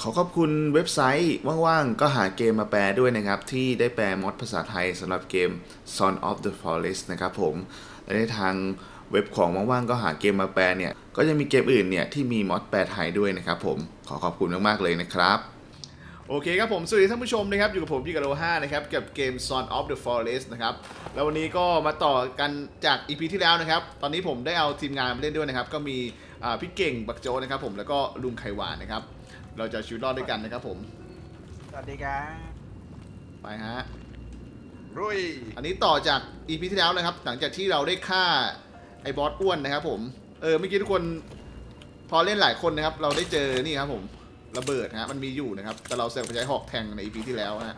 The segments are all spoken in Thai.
ขอขอบคุณเว็บไซต์ว่างๆก็หาเกมมาแปลด้วยนะครับที่ได้แปลมอดภาษาไทยสำหรับเกม Son of the Forest นะครับผมและในทางเว็บของว่างๆก็หาเกมมาแปลเนี่ยก็ยังมีเกมอื่นเนี่ยที่มีมอดแปลไทยด้วยนะครับผมขอขอบคุณมากๆเลยนะครับโอเคครับผมสวัสดีท่านผู้ชมนะครับอยู่กับผมพี่กะโล5นะครับกับเกม Son of the Forest นะครับแล้ววันนี้ก็มาต่อกันจาก EP ที่แล้วนะครับตอนนี้ผมได้เอาทีมงานมาเล่นด้วยนะครับก็มีพี่เก่งบักโจนะครับผมแล้วก็ลุงไขหวานนะครับเราจะชีวิตรอดด้วยกันนะครับผมสวัสดีครับไปฮะรุยอันนี้ต่อจาก EP ที่แล้วนะครับหลังจากที่เราได้ฆ่าไอ้บอสอ้วนนะครับผมเมื่อกี้ทุกคนพอเล่นหลายคนนะครับเราได้เจอนี่ครับผมระเบิดฮะมันมีอยู่นะครับแต่เราเสกไปใช้หอกแทงใน EP ที่แล้วฮะ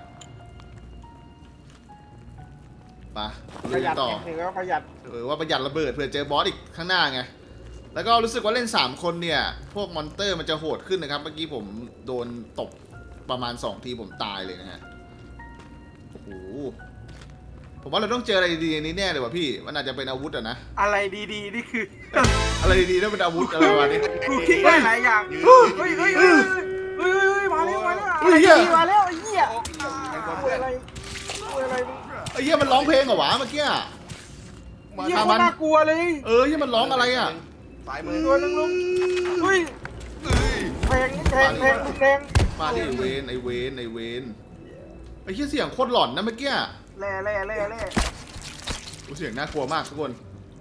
ไปประหยัดต่อถือว่าประหยัดว่าประหยัดระเบิดเผื่อเจอบอสอีกข้างหน้าไงแล้วก็รู้สึกว่าเล่น3คนเนี่ยพวกมอนเตอร์มันจะโหดขึ้นนะครับเมื่อกี้ผมโดนตบประมาณ2ทีผมตายเลยนะฮะโอ้โหผมว่าเราต้องเจออะไรดีๆนี้แน่เลยว่ะพี่มันอาจจะเป็นอาวุธอะนะอะไรดีๆนี่คืออะไรดีๆต้องเป็นอาวุธอะไรวะนี่กูคิดได้หลายอย่างเฮ้ยมาแล้วมาแล้วมาแล้วไอ้เหี้ยอะไรไอ้เหี้ยมันร้องเพลงเหรอวะเมื่อกี้เหี้ยมันน่ากลัวเลยเหี้ยมันร้องอะไรอ่ะสายมือตัวนึงลุงเฮ้ยแทงมาดิเวนไอเวนไอเหี้ยเสียงโคตรหลอนนะเมื่อกี้แร่เสียงน่ากลัวมากทุกคน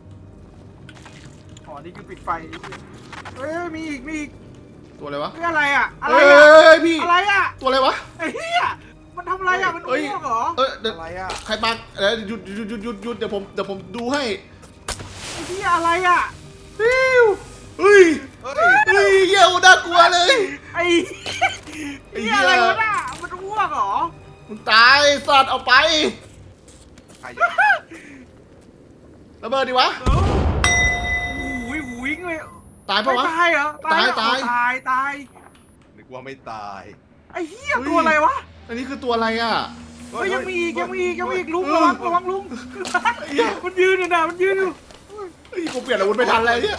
อ๋อนี่คือปิดไฟเฮ้ยมีอีกตัวอะไรวะอะไรอะพี่อะไรอะตัวอะไรวะไอ้เหี้ยมันทำอะไรอะมันอ้วกเหรออะไรอะใครปักหยุดเดี๋ยวผมดูให้ไอ้เหี้ยอะไรอะเฮ้ยเหี้ยน่ากลัวเลยไอ้เหี้ยอะไรวะน่ะมันอ้วกเหรอมึงตายสัตว์เอาไประเบิดดิวะวิ่งเลยตายปะวะตายเหรอตายนึกว่าไม่ตายไอ้เหี้ยตัวอะไรวะอันนี้คือตัวอะไรอ่ะยังมีอีกลุงระวังลุงมันยืนอยู่นะมันยืนอยู่กูเปลี่ยนอาวุธไม่ทันเลยเนี่ย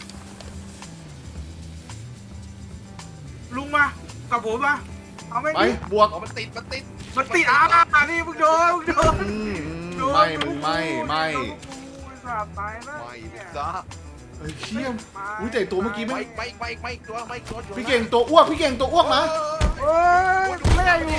ลุงมากับผมมาเอาไหมไปบวกมันติดนี่มึงโดนไม่ตายนะไม่จ้าเชี่ยอุ้ยแต่ตัวเมื่อกี้ไม่ตัวพี่เก่งตัวอ้วกนะแม่อยู่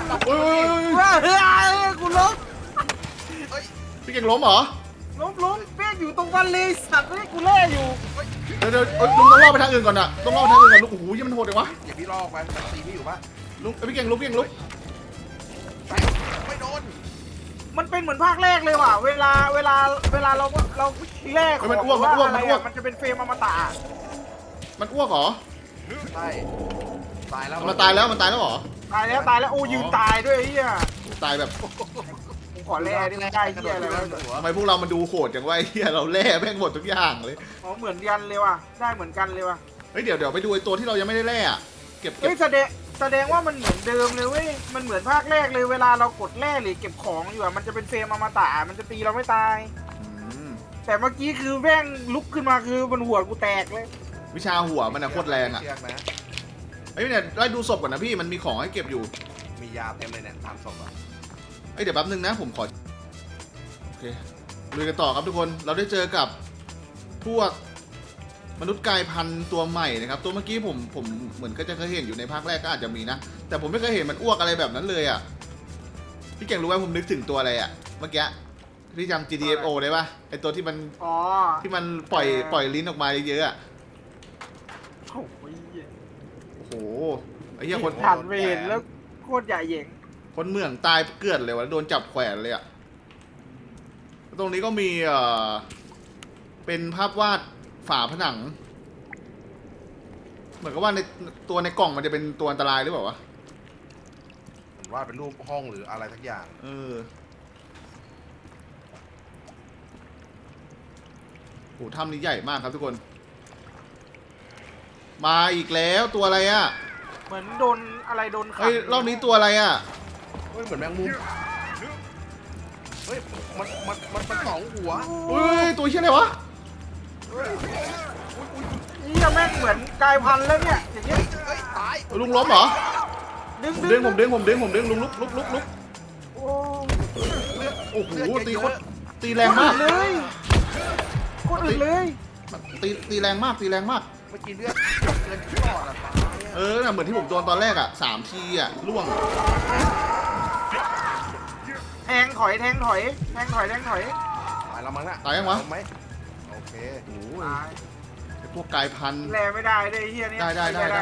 กูล้มพี่เก่งล้มเหรอล้มแม่อยู่ตรงวันเลยสัตว์กูแล่อยู่เดี๋ยวลุงต้องล่อไปทางอื่นก่อนอะต้องล่อไปทางอื่นก่อนลุงโอ้โหยังมันโหดเลยวะอย่าพี่ล่อไปตีพี่อยู่ปะลุงพี่เก่งลุกไม่โดนมันเป็นเหมือนภาคแรกเลยว่ะเวลาเราแรกมันอ้วกมันจะเป็นเฟรมอมตะมันอ้วกเหรอใช่ตายแล้วมันตายแล้วเหรอตายแล้วโอ้ยืนตายด้วยไอ้เหี้ยตายแบบขอแร่ได้ได้เหี้ยอะไรวะทำไมพวกเรามันดูโหดจังวะไอ้เหี้ยเราแร่แม่งหมดทุกอย่างเลยอ๋อเหมือนกันเลยว่ะได้เหมือนกันเลยว่ะเฮ้ยเดี๋ยวไปดูไอ้ตัวที่เรายังไม่ได้แร่อะเก็บแสดงว่ามันเหมือนเดิมเลยเว้ยมันเหมือนภาคแรกเลยเวลาเรากดแร่หรือเก็บของอยู่อะมันจะเป็นเฟรมอมตะมันจะตีเราไม่ตายแต่เมื่อกี้คือแม่งลุกขึ้นมาคือมันหัวกูแตกเลยวิชาหัวมันอะโคตรแรงอะไอ้เนี่ยไล่ดูศพก่อนนะพี่มันมีของให้เก็บอยู่มียาเต็มเลยเนี่ย3 ศพอ่ะเดี๋ยวแป๊บนึงนะผมขอโอเคลุยกันต่อครับทุกคนเราได้เจอกับพวกมนุษย์กายพันธุ์ตัวใหม่นะครับตัวเมื่อกี้ผมเหมือนก็จะเคยเห็นอยู่ในภาคแรกก็อาจจะมีนะแต่ผมไม่เคยเห็นมันอ้วกอะไรแบบนั้นเลยอ่ะพี่เก่งรู้ไหมผมนึกถึงตัวอะไรอ่ะเมื่อกี้พี่จำ GTFO ได้ปะไอตัวที่มันที่มันปล่อยลิ้นออกมาเยอะๆอ่ะโอ้โหไอ้เหี้ยคนผ่านไปเห็นแล้วโคตรใหญ่เหย่งคนเมืองตายเกลือดเลยวะโดนจับแขวนเลยอ่ะตรงนี้ก็มีเป็นภาพวาดฝาผนังเหมือนกับว่าในกล่องมันจะเป็นตัวอันตรายหรือเปล่าวะว่าเป็นรูปห้องหรืออะไรทักอย่างโหถ้ำนี้ใหญ่มากครับทุกคนมาอีกแล้วตัวอะไรอ่ะเหมือนโดนอะไรโดนขังรอบนี้ตัวอะไรอ่ะเฮ้ยเหมือนแมงมุมเฮ้ยมัน2 หัวเฮ้ยตัวเชี่ยอะไรวะนี่แม่งเหมือนกายพันธุ์แล้วเนี่ยอย่างเงี้ยตายลุงล้มเหรอดึงผมดึงลุงลุกลุกโอ้โอ้โหตีโคตรตีแรงมากเลยโคตรอื่นเลยตีแรงมากเมื่อกี้เลือดเกินที่ปอดอะตายอะน่ะเหมือนที่ผมโดนตอนแรกอ่ะ3 ทีอ่ะล่วงแทงถอยตายแล้วมั้งน่ะตายยังวะเอไหมโอเคโอ้ยตายไอ้พวกกายพันธุ์แลไม่ได้เลยไอ้เฮียนี่ได้แลนี่แล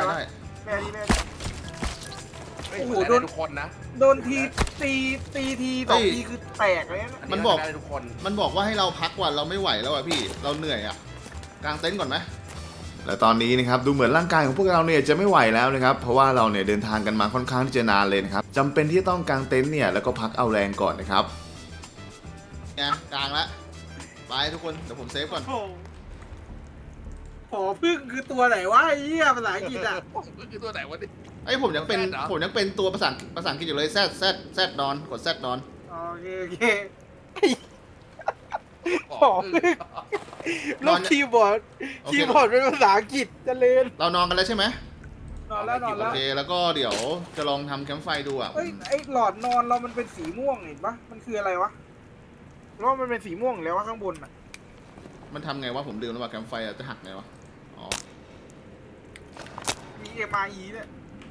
เฮ้ยโอ้โหแลโดนทุกคนนะโดนทีที2 ทีคือแตกเลยนะมันบอกแลได้ทุกคนมันบอกว่าให้เราพักวันเราไม่ไหวแล้วอ่ะพี่เราเหนื่อยอ่ะกางเต็นท์ก่อนไหมและตอนนี้นะครับดูเหมือนร่างกายของพวกเราเนี่ยจะไม่ไหวแล้วนะครับเพราะว่าเราเนี่ยเดินทางกันมาค่อนข้างที่จะนานเลยนะครับจำเป็นที่จะต้องกางเต็นท์เนี่ยแล้วก็พักเอาแรงก่อนนะครับเนี่ยกางละไปทุกคนเดี๋ยวผมเซฟก่อนโอ้โหหอพึ่งคือตัวไหนวะไอ้เหี้ยภาษาอังกฤษอ่ะคือตัวไหนวะนี่ไอ้ยผมยังเป็นแซดเหรอผมยังเป็นตัวภาษาอังกฤษอยู่เลยแซดนอนกดแซดนอนโอเคบหออกพึ่งลบคีย์บอร์ดโอเคคีย์บอร์ดเป็นภาษาอังกฤษเจะเล่นเรานอนกันแล้วใช่ไหมนอนแล้วโอเคแล้วก็เดี๋ยวจะลองทำแคมป์ไฟดูอ่ะเอ้ยไอ้หลอดนอนเรามันเป็นสีม่วงเห็นปะมันคืออะไรวะหรือว่ามันเป็นสีม่วงอยู่แล้ววะข้างบนอ่ะมันทำไงวะผมลืมแล้วว่าแคมป์ไฟอะจะหักไงวะอ๋อมี MRE เนี่ย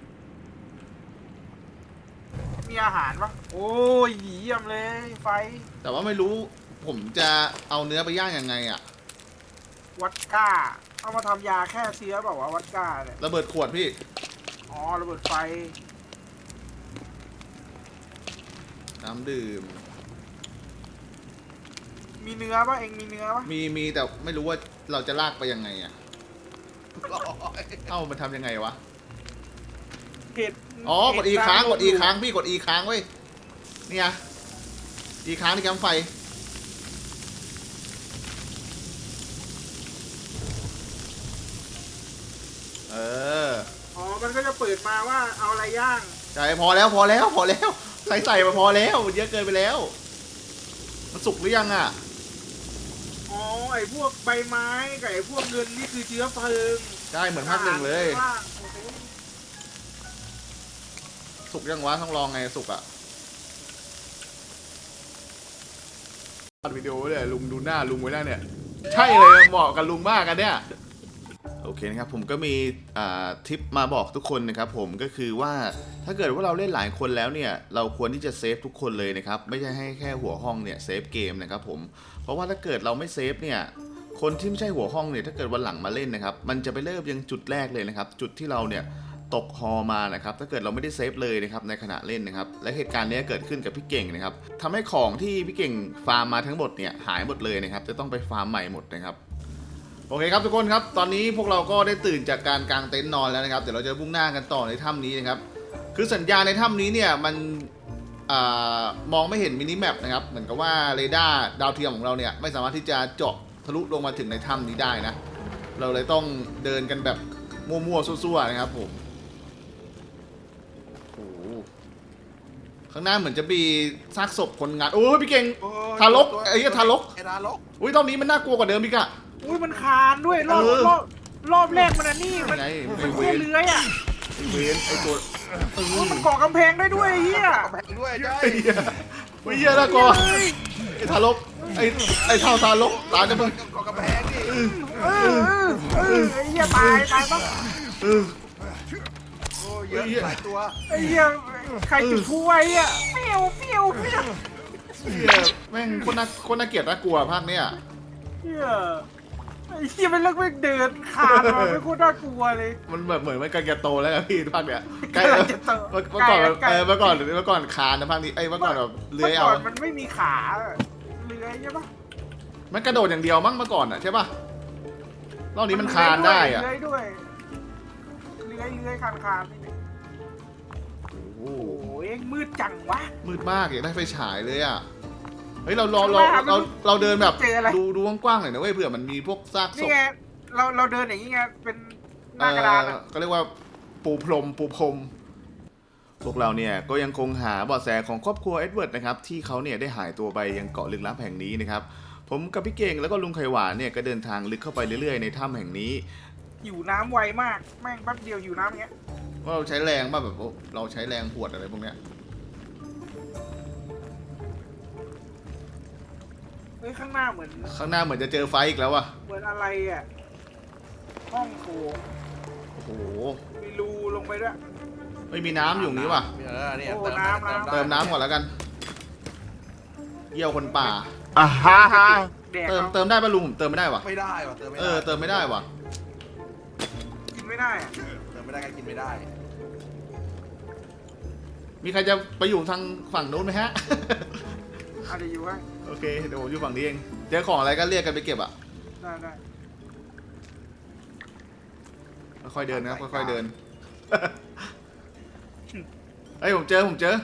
มีอาหารปะโอ้ยเยี่ยมเลยไฟแต่ว่าไม่รู้ผมจะเอาเนื้อไปย่างยังไงอ่ะวัดก้าเอามาทำยาแค่เชื้อเปล่าวะวัดก้าเนี่ยระเบิดขวดพี่อ๋อระเบิดไฟน้ำดื่มมีเนื้อปะเองมีเนื้อปะมีแต่ไม่รู้ว่าเราจะลากไปยังไงอ่ะเอ้ามันทำยังไงวะเห็ดอ๋อกด E ค้างกด E ค้างพี่กด E ค้างเว้ยเนี่ย E ค้างที่แคมป์ไฟเอออ๋อมันก็จะเปิดมาว่าเอาอะไรย่างใช่พอแล้วใส่มาพอแล้วเยอะเกินไปแล้ว มันสุกหรือยังอ่ะอ๋อไอ้พวกใบไม้กับไอ้พวกเงินนี่คือเชื้อเพลิงใช่เหมือนภาคหนึ่งเลยว่าโอเคสุกยังวะต้องลองไงสุกอ่ะอัดวิดีโอเลยลุงดูหน้าลุงไว้หน้าเนี่ย ใช่เลยเหมาะกับลุงมากกันเนี่ยโอเคนะครับผมก็มีทิปมาบอกทุกคนนะครับผมก็คือว่าถ้าเกิดว่าเราเล่นหลายคนแล้วเนี่ยเราควรที่จะเซฟทุกคนเลยนะครับไม่ใช่ให้แค่หัวห้องเนี่ยเซฟเกมนะครับผมเพราะว่าถ้าเกิดเราไม่เซฟเนี่ยคนที่ไม่ใช่หัวห้องเนี่ยถ้าเกิดวันหลังมาเล่นนะครับมันจะไปเริ่มยังจุดแรกเลยนะครับจุดที่เราเนี่ยตกฮอมานะครับถ้าเกิดเราไม่ได้เซฟเลยนะครับในขณะเล่นนะครับและเหตุการณ์นี้เกิดขึ้นกับพี่เก่งนะครับทำให้ของที่พี่เก่งฟาร์มมาทั้งหมดเนี่ยหายหมดเลยนะครับจะต้องไปฟาร์มใหม่หมดนะครับโอเคครับทุกคนครับตอนนี้พวกเราก็ได้ตื่นจากการกางเต็นท์นอนแล้วนะครับเดี๋ยวเราจะมุ่งหน้ากันต่อในถ้ำนี้นะครับคือสัญญาณในถ้ำนี้เนี่ยมันมองไม่เห็นมินิแมปนะครับเหมือนกับว่าเรดาร์ดาวเทียมของเราเนี่ยไม่สามารถที่จะเจาะทะลุลงมาถึงในถ้ำนี้ได้นะเราเลยต้องเดินกันแบบมั่วๆซั่วๆนะครับผมโอ้โหข้างหน้าเหมือนจะมีซากศพคนงานโอ้ยพี่เก่งโอ้ยทารกไอ้เหี้ยทารกไอ้ทารกอุ้ยตอนนี้มันน่ากลัวกว่าเดิมอีกอะอุ้ยมันคานด้วยรอบเออรอบแรกมันอันนี่มันไงมันไอ้เวแค่รเลื้อยอ่ะไอ้เวนไอ้ตัวอุ้ยมันเกาะกำแพงได้ด้วยไอ้เฮียแบ่งด้วยใช่ไอ้เหี้ยอุ้ยเหี้ยน่ากลัวไอ้ทารกไอ้เท่าทารกตายจะมึงกกระแพงดิไอ้เฮียตายปะเออโอ้ยเยอะหลายตัวไอ้เฮียใครจุดพลุไว้อ่ะเปรี้ยวเฮียเหี้ยแม่งคนน่าเกลียดน่ากลัวภาคเนี้ยไอ้เฮียมันเลิกไม่เดินคานมาไม่โคตรน่ากลัวเลยมันแบบเหมือนมันกำลังจะโตแล้วนะพี่ภาคเนี้ยใกล้ใกล้แล้วจะโตเมื่อก่อนใกล้เมื่อก่อนคานนะภาคนี้เมื่อก่อนแบบเลื้อยเอามื่ก่อนมันไม่มีขาเลื้อยใช่ปะมันกระโดดอย่างเดียวมั้งเมื่อก่อนอ่ะใช่ป่ะรอบนี้มันคานได้อ่ะเลื้อยด้วยเลื้อยคานโอ้โหโอ้ยมืดจังวะมืดมากอยากได้ไฟฉายเลยอ่ะเฮ้ยเราเดินแบบเจออะไรดูกว้างๆหน่อยนะเว้ยเผื่อมันมีพวกซากศนี่พไงเราเดินอย่างนี้ไงเป็นหน้ากระดานอะก็เรียกว่าปูพรมพวกเราเนี่ยก็ยังคงหาเบาะแสของครอบครัวเอ็ดเวิร์ดนะครับที่เขาเนี่ยได้หายตัวไปยังเกาะลึกลับแห่งนี้นะครับผมกับพี่เก่งแล้วก็ลุงไข่หวานเนี่ยก็เดินทางลึกเข้าไปเรื่อยๆในถ้ำแห่งนี้หิวน้ำไวมากแม่งแป๊บเดียวหิวน้ำอย่างเงี้ยว่าเราใช้แรงป่ะแบบเราใช้แรงหวดอะไรพวกเนี้ยเฮ้ยข้างหน้าเหมือนข้างหน้าเหมือนจะเจอไฟอีกแล้วว่ะเหมือนอะไรอ่ะห้องโถงโอ้โหมีรูลงไปด้วยไม่มีน้ำอยู่นี้ว่ะเนี่ยโอ้เติมน้ำได้เติมน้ำก่อนแล้วกันเยี่ยวคนป่าแดกเติมได้ป่ะลุงผมเติมไม่ได้ว่ะไม่ได้ว่ะเติมไม่ได้เติมไม่ได้ว่ะกินไม่ได้อะเติมไม่ได้ก็กินไม่ได้มีใครจะไปอยู่ทางฝั่งนู้นไหมฮะอาจจะอยู่ให้โอเคเดี๋ยวผมอยู่ฝั่งนี้เองเจอของอะไรก็เรียกกันไปเก็บอ่ะได้ค่อยๆเดินนะครับค่อยๆเดิน เฮ้ยผมเจอ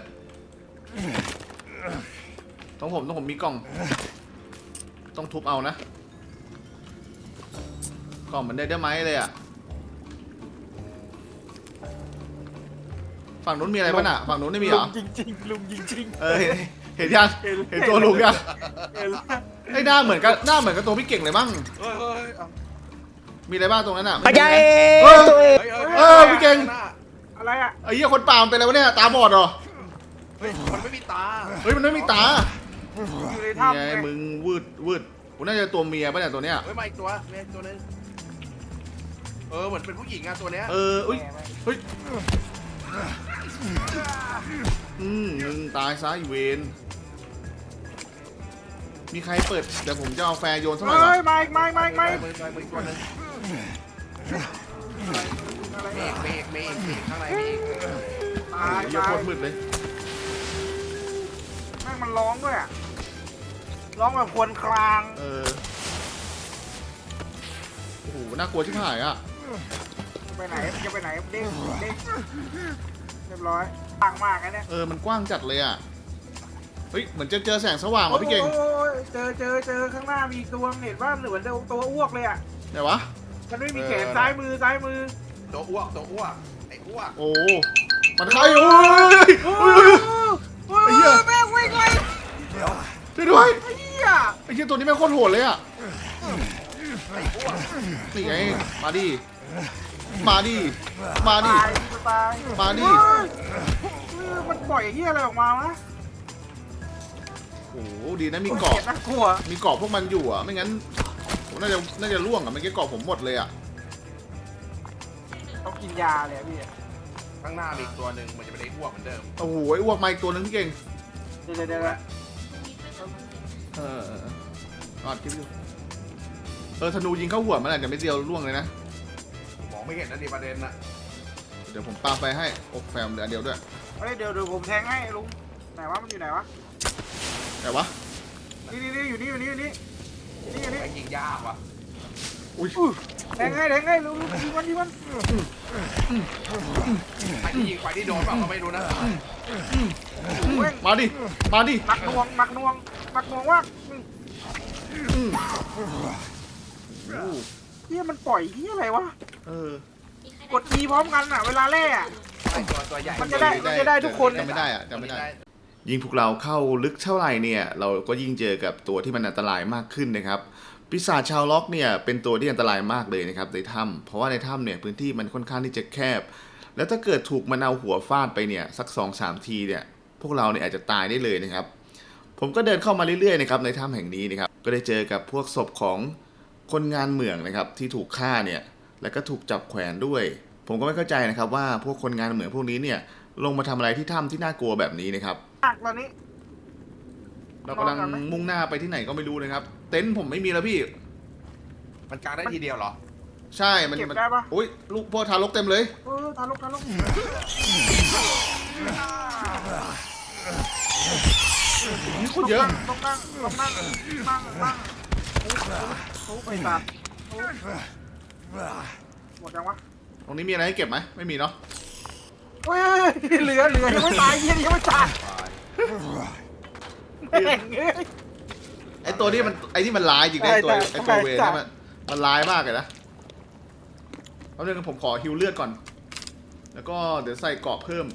ต้องผมมีกล่อง ต้องทุบเอานะ กล่องเหมือนได้ไหมเลยอ่ะ ฝั่งนู้นมีอะไรบ้างอ่ะ ฝั่งนู้นไม่มีเหรลุองจริงๆลุงจริงเห็นยัง เห็นตัวลุงยังๆเห็นแล้วไอ้ยหน้าเหมือนกับตัวพี่เก่งเลยมั้งเฮ้ยมีอะไรบ้างตรงนั้นอ่ะปัจจัยเฮ้ยตัวเองพี่เก่งอะไรอ่ะไอ้เหี้ยคนป่ามันเป็นอะไรวะเนี่ย ตาบอดเหรอเฮ้ยมันไม่มีตาเฮ้ยมันไม่มีตาอยู่ในนี่ถ้ำไงไงมึงวืดกูน่าจะตัวเมียป่ะเนี่ยตัวเนี้ยเฮ้ยมาอีกตัวมีอีกตัวนึงเหมือนเป็นผู้หญิงอะตัวเนี้ยอุ้ยเฮ้ยมึงตายซะอีเวนมีใครเปิดเดี๋ยวผมจะเอาแฟร์โยนสักหน่อยเฮ้วะยไม่มืออีกตัวนึงเมฆข้างในมีอีกตายเหี้ยโคตรมืดเลยแม่งมันร้องด้วยอะร้องแบบครวรครางโอ้โหน่ากลัวชิบหายอ่ะไปไหนจะไปไหนเด้งเรียบร้อยต่างมากนะเนี่ยมันกว้างจัดเลยอ่ะเฮ้ยเหมือนจะเจอแสงสว่างว่ะพี่เก่งโอ้ยเจอข้างหน้ามีตัวเห็นว่าเหมือนตัวอ้วกเลยอ่ะไหนวะมันไม่มีแขนซ้ายมือตัวอ้วกไอ้อ้วกโอ้มันใครโอ้ยโอ้ยไอ้เหี้ยแม่งวิ่งเลยช่วยด้วยไอ้เหี้ยไอ้เหี้ยตัวนี้แม่งโคตรโหดเลยอ่ะนี่ไงมาดิมาดิตายตายมาดิมันปล่อยเหี้ยอะไรออกมาวะโอ้โหดีนะมีเกาะน่ากลัวมีเกาะพวกมันอยู่อ่ะไม่งั้นผมน่าจะล่วงอ่ะเมื่อกี้เกาะผมหมดเลยอ่ะต้องกินยาเลยพี่ข้างหน้ามีอีกตัวนึงมันจะเป็นไอ้อ้วกเหมือนเดิมโอ้โหอ้วกมาอีกตัวนึงพี่เก่งเดี๋ยวอัดคลิปอยู่ธนูยิงเข้าหัวมันอาจจะไม่เดียวล่วงเลยนะมองไม่เห็นนะดิประเด็นน่ะเดี๋ยวผมปาไปให้อกแฟมเหลือเดียวด้วยเฮ้ยเดี๋ยวผมแทงให้ลุงไหนวะมันอยู่ไหนวะแต่วะนี่อยู่นี่ไอ้ยิงยากว่ะอุ้ยแทงให้ลุงยิงมันไอ้ที่ยิงไปที่โดนเปล่าก็ไม่รู้นะมาดิมาดิหนักหน่วงว่าอืมเฮียมันปล่อยเฮียอะไรวะ กด E พร้อมกันอ่ะเวลาแร่อะไอ้ตัวใหญ่มันจะได้ทุกคนจำไม่ได้อะจำไม่ได้ ยิ่งพวกเราเข้าลึกเท่าไหร่เนี่ยเราก็ยิ่งเจอกับตัวที่มันอันตรายมากขึ้นนะครับปีศาจชาวล็อกเนี่ยเป็นตัวที่อันตรายมากเลยนะครับในถ้ำเพราะว่าในถ้ำเนี่ยพื้นที่มันค่อนข้างที่จะแคบ แล้วถ้าเกิดถูกมันเอาหัวฟาดไปเนี่ยสัก 2-3 ทีเนี่ยพวกเราเนี่ยอาจจะตายได้เลยนะครับผมก็เดินเข้ามาเรื่อยๆนะครับในถ้ำแห่งนี้นะครับก็ได้เจอกับพวกศพของคนงานเหมืองนะครับที่ถูกฆ่าเนี่ยแล้วก็ถูกจับแขวนด้วยผมก็ไม่เข้าใจนะครับว่าพวกคนงานเหมืองพวกนี้เนี่ยลงมาทำอะไรที่ถ้ำที่น่ากลัวแบบนี้นะครับตอนนี้เรากำลังมุ่งหน้าไปที่ไหนก็ไม่รู้นะครับเต็นท์ผมไม่มีแล้วพี่มันกางได้ทีเดียวเหรอใช่มันเก็บได้ปะอุ้ยลูกพ่อทารกเต็มเลยทารกนี่คนเยอะต้องนั่งทุบไปสัตว์หมดยังวะตรงนี้มีอะไรให้เก็บไหมไม่มีเนาะเฮ้ยเหลือยังไม่ตายยังไม่ตายแม่งเอ้ยไอตัวนี้มันที่มันร้ายจริงนะไอตัวเวรนี่มันร้ายมากเลยนะเอาเรื่องผมขอฮิวเลือดก่อน แล้วก็เดี๋ยวใส่เกราะเพิ่ม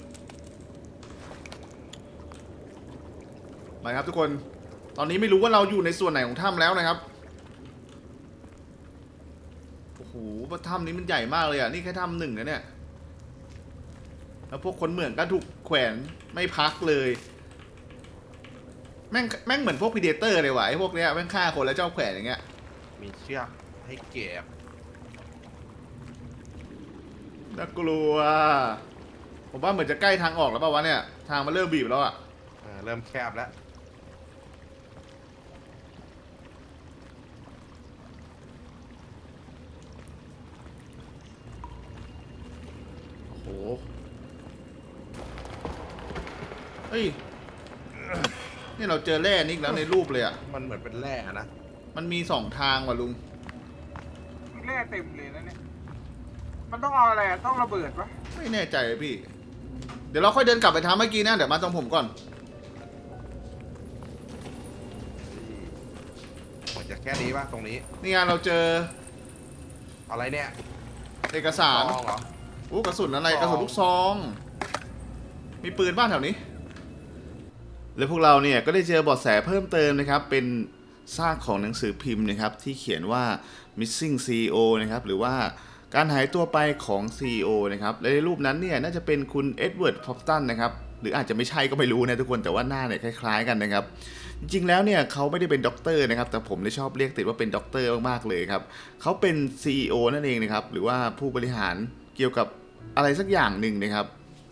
ไปครับทุกคนตอนนี้ไม่รู้ว่าเราอยู่ในส่วนไหนของถ้ำแล้วนะครับโอ้โหถ้ำนี้มันใหญ่มากเลยอ่ะนี่แค่ถ้ำหนึ่งนะเนี่ยแล้วพวกคนเหมืองก็ถูกแขวนไม่พักเลยแม่งเหมือนพวกพีเดเตอร์เลยว่ะไอ้พวกเนี้ยแม่งฆ่าคนแล้วเจ้าแขวนอย่างเงี้ยมีเชือกให้เก็บน่ากลัวผมว่าเหมือนจะใกล้ทางออกแล้วป่าววะเนี่ยทางมันเริ่มบีบแล้วอ่ะเริ่มแคบแล้วโอ้โหเฮ้ยนี่เราเจอแร่นิกแล้วในรูปเลยอ่ะมันเหมือนเป็นแร่นะมันมี2 ทางว่ะลุงแร่เต็มเลยนะเนี่ยมันต้องเอาอะไรอะต้องระเบิดปะไม่แน่ใจเลยพี่ เดี๋ยวเราค่อยเดินกลับไปทางเมื่อกี้นะเดี๋ยวมาตรงผมก่อนเหมือนจะแค่นี้ป่ะตรงนี้นี่ไงเราเจออะไรเนี่ยเอกสารซองเหรอกระสุนอะไรซองกระสุนลูกซอง มีปืนบ้านแถวนี้ และพวกเราเนี่ยก็ได้เจอเบาะแสเพิ่มเติมนะครับ เป็นซากของหนังสือพิมพ์นะครับที่เขียนว่า missing CEO นะครับหรือว่าการหายตัวไปของ CEO นะครับและในรูปนั้นเนี่ยน่าจะเป็นคุณเอ็ดเวิร์ด พอปตันนะครับหรืออาจจะไม่ใช่ก็ไม่รู้นะทุกคนแต่ว่าหน้าเนี่ยคล้ายๆกันนะครับจริงๆแล้วเนี่ยเขาไม่ได้เป็นด็อกเตอร์นะครับแต่ผมได้ชอบเรียกติดว่าเป็นด็อกเตอร์มากๆเลยครับเขาเป็น CEO นั่นเองนะครับหรือว่าผู้บริหารเกี่ยวกับอะไรสักอย่างหนึ่งนะครับ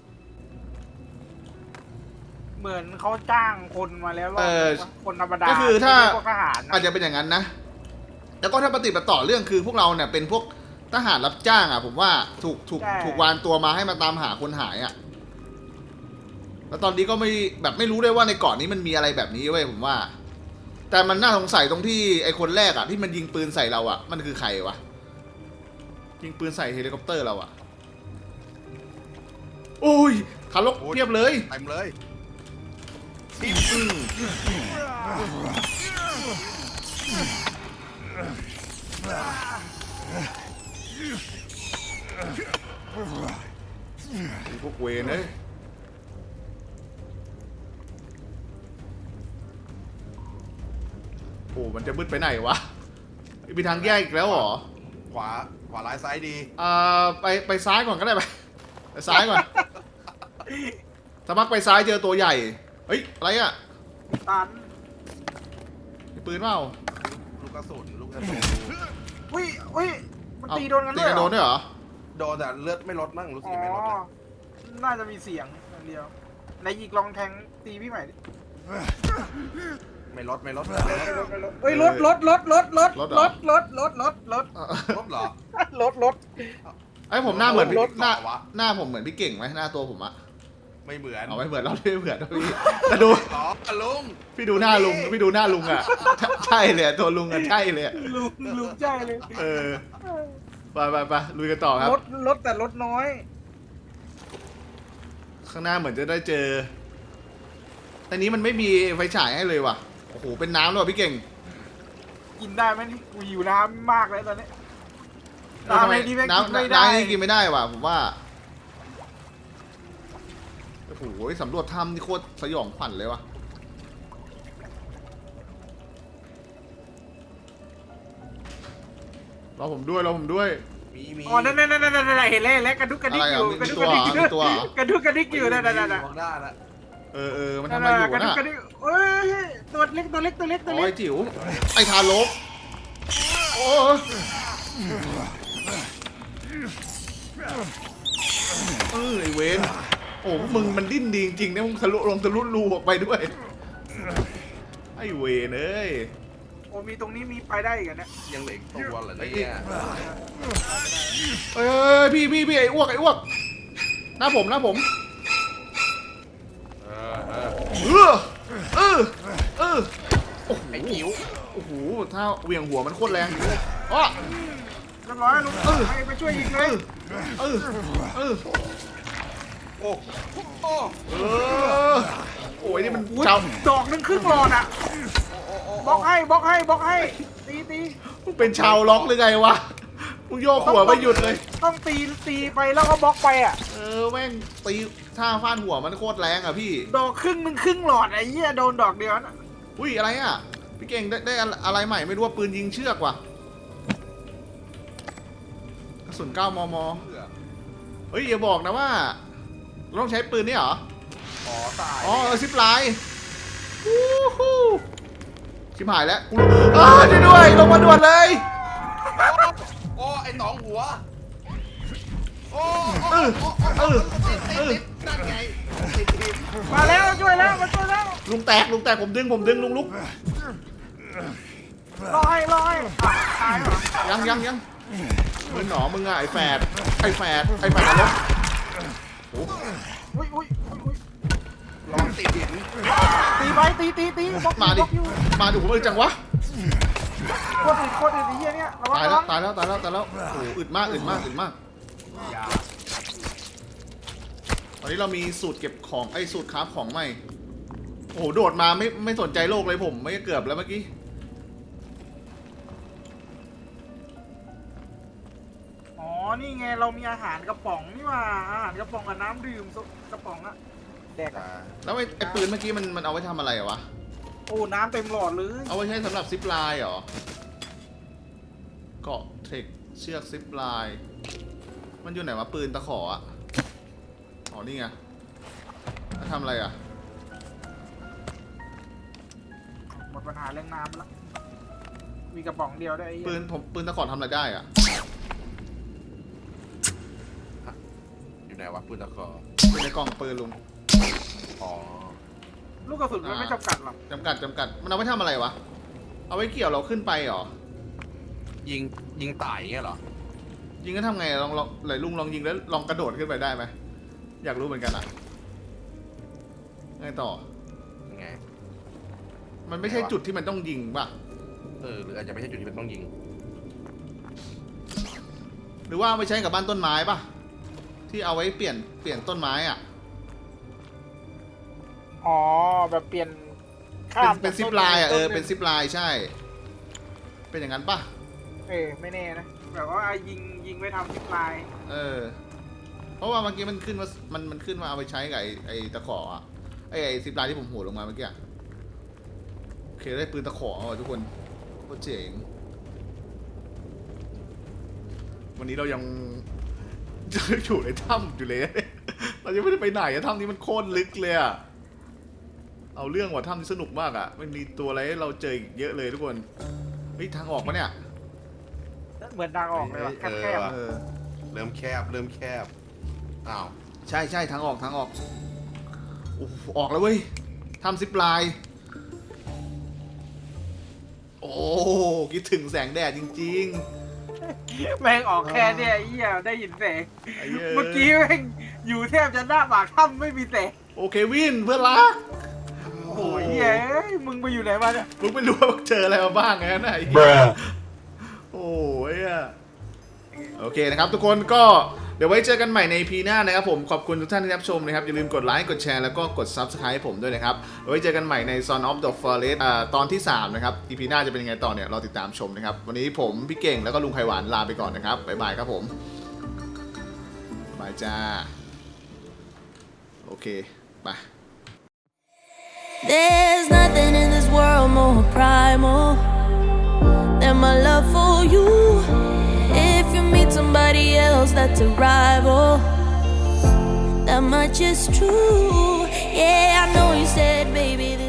เหมือนเขาจ้างคนมาแล้วรอบนึงปะคนธรรมดาก็คือถ้าไม่ใช่พวกทหารนะอาจจะเป็นอย่างนั้นนะ แล้วก็ถ้าปฏิบัติต่อเรื่องคือพวกเราเนี่ยเป็นพวกทหารรับจ้างอ่ะผมว่าถูกวานตัวมาให้มาตามหาคนหายอ่ะแล้วตอนนี้ก็ไม่รู้ด้วยว่าในเกาะนี้มันมีอะไรแบบนี้เว้ยผมว่า แต่มันน่าสงสัยตรงที่ไอ้คนแรกอ่ะที่มันยิงปืนใส่เราอ่ะมันคือใครวะยิงปืนใส่เฮลิคอปเตอร์เราอ่ะโอ้ยทารกเพียบเลยเต็มเลยพวกเวรเอ้ยโอ้มันจะมืดไปไหนวะมีทางแยกอีกแล้วเหรอขวาร้ายซ้ายดีไปซ้ายก่อนก็ได้ไปซ้ายก่อนถ้ามักไปซ้ายเจอตัวใหญ่เฮ้ยอะไรอ่ะตันมีปืนเปล่าลูกกระสุนดูอุ้ยมันตีโดนกันตีด้วยกันเหรโดอนด้วยเหรอโดนแต่เลือดไม่ลดมั่งรู้สึกอ๋อไม่ลดนะน่าจะมีเสียงอย่างเดียวไหนอีกลองแทงตีพี่ใหม่ดิไม่ลดเฮ้ยรถรถเหรอรถลดเหรอไอ้ผมหน้าเหมือนพี่รถหน้าเหรอวะหน้าผมเหมือนพี่เก่งไหมหน้าตัวผมอะไม่เหมือนเอาไม่เหมือนเราไม่เหมือนนะพี่แต่ดูอ๋อลุงพี่ดูหน้าลุงอะใช่เลยอะตัวลุงอะใช่เลยอะลุงใจเลยเออไปลุยกันต่อครับรถแต่รถน้อยข้างหน้าเหมือนจะได้เจอแต่นี้มันไม่มีไฟฉายให้เลยว่ะโอ้โหเป็นน้ำด้วยว่ะพี่เก่งกินได้ไหมนี่กูหิวน้ำมากเลยตอนนี้เออทำไมน้ำอะไรดีแม่งน้กินไม่ำได้น้ำนี่กินไม่ได้ว่ะผมว่าโอ้โหสำรวจถ้ำนี่โคตรสยองขวัญเลยว่ะรอผมด้วยมีอ๋อนั่นเห็นแล้วกระดุกกระดิกอยู่อะไรกอ่ะระดุกกระดิกอยู่มีตัวเหรอกระดุกกระดิกอยู่นั่นข้างหน้านะเออมันทำอะไรอยู่กระดุกน่ะกระดิกเอ้ยตัวเล็กโอ้ยจิ๋วไอ้ทารกโอ้ยไอ้เวนโอ้มึงมันดิ้นดีจริงๆนะมึงทะลุรูออกไปด้วยไอ้เวนเอ้ยโอ้มีตรงนี้มีไปได้อีกนะยังเหลืออีกตัวเหรอเนี่ยเอ้ยพี่ไอ้อ้วกหน้าผมเออโอ้โหไอ้จิ๋วโอ้โหถ้าเหวี่ยงหัวมันโคตรแรงอ้อเรียบร้อยลุงไปช่วยยิงเลยเออโอ้โอ้โอ้ยนี่มันอุ๊ยชาวดอกนึงครึ่งหลอดอ่ะบล็อกให้ตีมึงเป็นชาวล็อกหรือไงวะมึงโยกหัวไม่หยุดเลยต้องตีไปแล้วก็บล็อกไปอ่ะแม่งตีท่าฟาดหัวมันโคตรแรงอ่ะพี่ดอกครึ่งนึงครึ่งหลอดไอ้เหี้ยโดนดอกเดียวนะอุ้ยอะไรอ่ะพี่เก่งได้อะไรใหม่ไม่รู้ว่าปืนยิงเชือกว่ะสุน9 มม. เฮ้ยอย่าบอกนะว่าเราต้องใช้ปืนนี่เหรออ๋อตายอ๋อซิปไลน์ฮู้ฮู้ชิบหายแล้วกูช่วยด้วยลงมาด่วนเลยโอ้ไอ้หนองหัวโอ้เออนั่นไงมาแล้วช่วยแล้วมาช่วยแล้วลุงแตกผมดึงลุงลุกลอยตายเหรอยังมึงหนอมึงอะไอ้แฝดนรกโอ้อุ้ยลองติดหินตีไปตีบล็อกมาดิบล็อกอยู่มาดูผมจังวะโคตรอึดไอ้เหี้ยเนี่ยระวังตายระแล้วัวงตายแล้วโอ้โหอึดมากยาตอนนี้เรามีสูตรเก็บของไอ้สูตรคราฟของใหม่โอ้โหโดดมาไม่สนใจโลกเลยผมไม่เกือบแล้วเมื่อกี้อ๋อนี่ไงเรามีอาหารกระป๋องนี่ว่าอาหารกระป๋องกับน้ำดื่มกระป๋องอะแดกอะแล้วไอ้ปืนเมื่อกี้มันเอาไว้ทำอะไรอะวะโอ้น้ำเต็มหลอดเลยเอาไว้ใช้สำหรับซิปไลน์เหรอเกาะเทคเชือกซิปไลน์มันอยู่ไหนวะปืนตะขออะอ๋อนี่ไงแล้วทำอะไรอะหมดปัญหาเรื่องน้ำละมีกระป๋องเดียวได้ไอ้เหี้ยปืนตะขอทำอะไรได้อะอยู่ไหนวะปืนตะกออยู่ในกล่องปืนลุงอ๋อลูกกระสุนมันไม่จำกัดหรอกจำกัดมันเอาไว้ทำอะไรวะเอาไว้เกี่ยวเราขึ้นไปเหรอยิงตายอย่างเงี้ยเหรอยิงก็ทำไงลองไหนลุงลองยิงแล้วลองกระโดดขึ้นไปได้ไหมอยากรู้เหมือนกันอ่ะไงต่อยังไงมันไม่ใช่จุดที่มันต้องยิงป่ะหรืออาจจะไม่ใช่จุดที่มันต้องยิงหรือว่าเอาไปใช้กับบ้านต้นไม้ป่ะที่เอาไว้เปลี่ยนต้นไม้อ่ะอ๋อแบบเปลี่ยนข้ามเป็นซิปไลน์อ่ะเป็นซิปไลน์ใช่ เป็นอย่างนั้นป่ะไม่แน่นะแบบว่ายิงไว้ทำซิปไลน์เพราะว่าเมื่อกี้มันขึ้นว่ามันขึ้นมาเอาไปใช้กับไอ้ตะขออ่ะไอ้ซิปไลน์ที่ผมโหดลงมาเมื่อกี้โอเคได้ปืนตะขออ่ะทุกคนโคตรเจ๋งวันนี้เรายัง อยู่ในถ้ำอยู่เลย เรายังไม่ได้ไปไหนอะถ้ำนี้มันโคตรลึกเลยอะเอาเรื่องว่ะถ้ำนี้สนุกมากอะมันมีตัวอะไรให้เราเจออีกเยอะเลยทุกคนเฮ้ยทางออกปะเนี่ยเหมือนทางออกเลยว่ะแคบเริ่มแคบอ้าวใช่ทางออกโอ้โหออกแล้วเว้ยถ้ำซิปไลน์โอ้คิดถึงแสงแดดจริงๆแม่งออกแค่เนี่ยไอ้เหี้ยได้ยินแสงๆไอ้เหี้ยเมื่อกี้แม่งอยู่แทบจะหน้าปากถ้ำไม่มีแสงโอเควินเพื่อนรักโอ้ยเหี้ยเอ้ยมึงไปอยู่ไหนมาเนี่ยมึงไม่รู้ว่ามึงเจออะไรมาบ้างไงนะไอ้เหี้ยโอ้ยอะโอเคนะครับทุกคนก็เดี๋ยวไว้เจอกันใหม่ใน EP หน้านะครับผมขอบคุณทุกท่านที่รับชมนะครับอย่าลืมกดไลค์กดแชร์แล้วก็กด Subscribe ให้ผมด้วยนะครับไว้เจอกันใหม่ใน Son of the Forest ตอนที่3นะครับ EP หน้าจะเป็นยังไงต่อเนี่ยรอติดตามชมนะครับวันนี้ผมพี่เก่งแล้วก็ลุงไข่หวานลาไปก่อนนะครับบ๊ายบายครับผมบายจ้าโอเคไป There's nothing in this world more primal than my love for you. If you meet somebody else that's a rival, that much is true. Yeah, I know you said, baby, this